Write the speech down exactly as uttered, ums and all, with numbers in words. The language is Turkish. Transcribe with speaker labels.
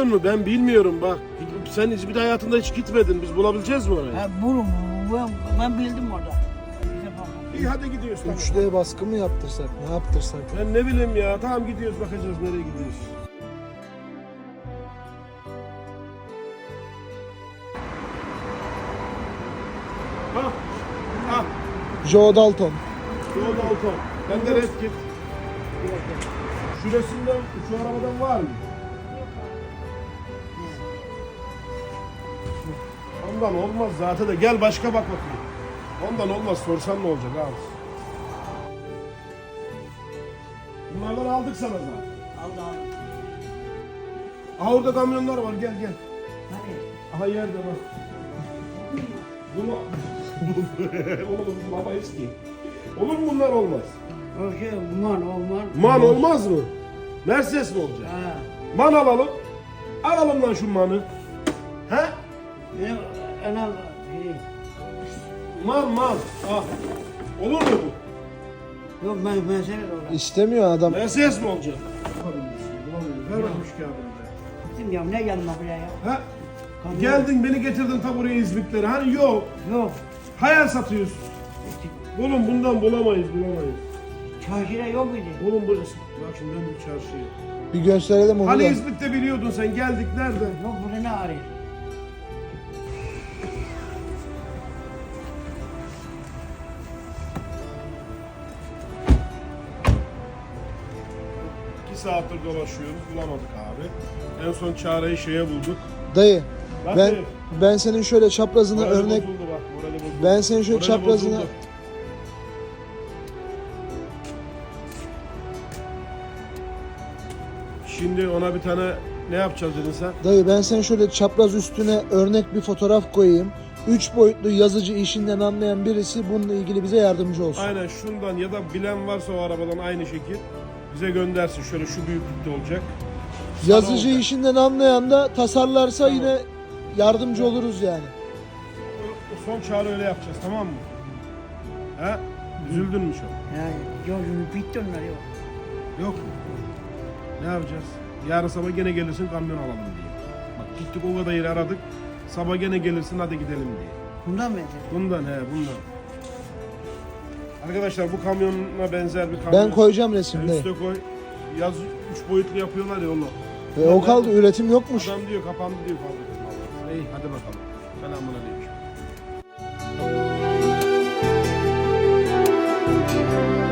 Speaker 1: biliyor musun? Ben bilmiyorum bak. Sen hiç bir de hayatında hiç gitmedin. Biz bulabileceğiz mi orayı?
Speaker 2: Ha, bulun, ben, ben bildim orada. Bize bakın.
Speaker 1: İyi hadi gidiyoruz. Tamam.
Speaker 3: üç D baskı mı yaptırsak, ne yaptırsak?
Speaker 1: Ben ne bileyim ya. Tamam gidiyoruz, bakacağız nereye gidiyoruz. Ha. Ha.
Speaker 3: Joe Dalton.
Speaker 1: Yolda Dalton. Ben de red git. Şurasından, şu arabadan var mı? Ondan olmaz zaten de. Gel başka bak bakayım. Ondan olmaz. Sorsan ne olacak abi? Bunlardan aldık sana zaten.
Speaker 2: Aldı aldı.
Speaker 1: Aha orada kamyonlar var. Gel gel.
Speaker 2: Hani?
Speaker 1: Aha yerde bak. Bunu... Oğlum baba eski. Olur mu bunlar olmaz?
Speaker 2: O şey, man olmaz.
Speaker 1: Man olmaz mı? Mercedes mi olacak?
Speaker 2: Ha.
Speaker 1: Man alalım. Alalım lan şu manı. He?
Speaker 2: Benim anam biri.
Speaker 1: Man man. Ah. Olur mu bu?
Speaker 2: Yok ben ben seni de orada.
Speaker 3: İstemiyor adam.
Speaker 1: Mercedes mi olacak? Ver bakmış kağıdını.
Speaker 2: Gittim ya ne geldim buraya ya.
Speaker 1: Ha?
Speaker 2: Kamyon.
Speaker 1: Geldin beni getirdin ta buraya İzmit'lere. Hani yok.
Speaker 2: Yok.
Speaker 1: Hayal satıyorsun. Oğlum bundan bulamayız bulamayız.
Speaker 2: Çarşıda yok muydu?
Speaker 1: Oğlum burası. Bak şimdi ben bu çarşıya.
Speaker 3: Bir gösterelim onu
Speaker 1: Hani
Speaker 3: da.
Speaker 1: İzmit'te biliyordun sen, geldik nerede?
Speaker 2: Yok burada ne arıyor?
Speaker 1: İki saattir dolaşıyoruz, bulamadık abi. En son çareyi şeye bulduk.
Speaker 3: Dayı,
Speaker 1: Bak
Speaker 3: ben
Speaker 1: dayı,
Speaker 3: ben senin şöyle çaprazına
Speaker 1: morali
Speaker 3: örnek
Speaker 1: bozuldu bak, morali bozuldu.
Speaker 3: ben senin şöyle
Speaker 1: Morali
Speaker 3: çaprazına
Speaker 1: bozuldu. Şimdi ona bir tane ne yapacağız dedin sen?
Speaker 3: dayı ben senin şöyle çapraz üstüne örnek bir fotoğraf koyayım. Üç boyutlu yazıcı işinden anlayan birisi bununla ilgili bize yardımcı olsun.
Speaker 1: Aynen şundan ya da bilen varsa o arabadan aynı şekil bize göndersin. Şöyle şu büyüklükte olacak.
Speaker 3: Yazıcı
Speaker 1: olacak.
Speaker 3: işinden anlayan da tasarlarsa
Speaker 1: Tamam.
Speaker 3: yine yardımcı oluruz yani.
Speaker 1: O, o son çağrı öyle yapacağız, tamam mı? He? Üzüldün mü çok?
Speaker 2: Yani yok bitti onlar yok.
Speaker 1: Yok mu? Ne yapacağız? Yarın sabah gene gelirsin, kamyon alalım diye. Bak gittik o kadar yeri aradık. Sabah gene gelirsin, hadi gidelim diye.
Speaker 2: Bundan mı edeceğiz?
Speaker 1: Bundan he bundan. Arkadaşlar bu kamyona benzer bir kamyon.
Speaker 3: Ben koyacağım resimde.
Speaker 1: Üste koy. Yaz üç boyutlu yapıyorlar ya onu.
Speaker 3: Ve o kaldı, üretim yokmuş.
Speaker 1: Adam diyor kapandı diyor fabrika. İyi hadi bakalım. Selamun aleyküm.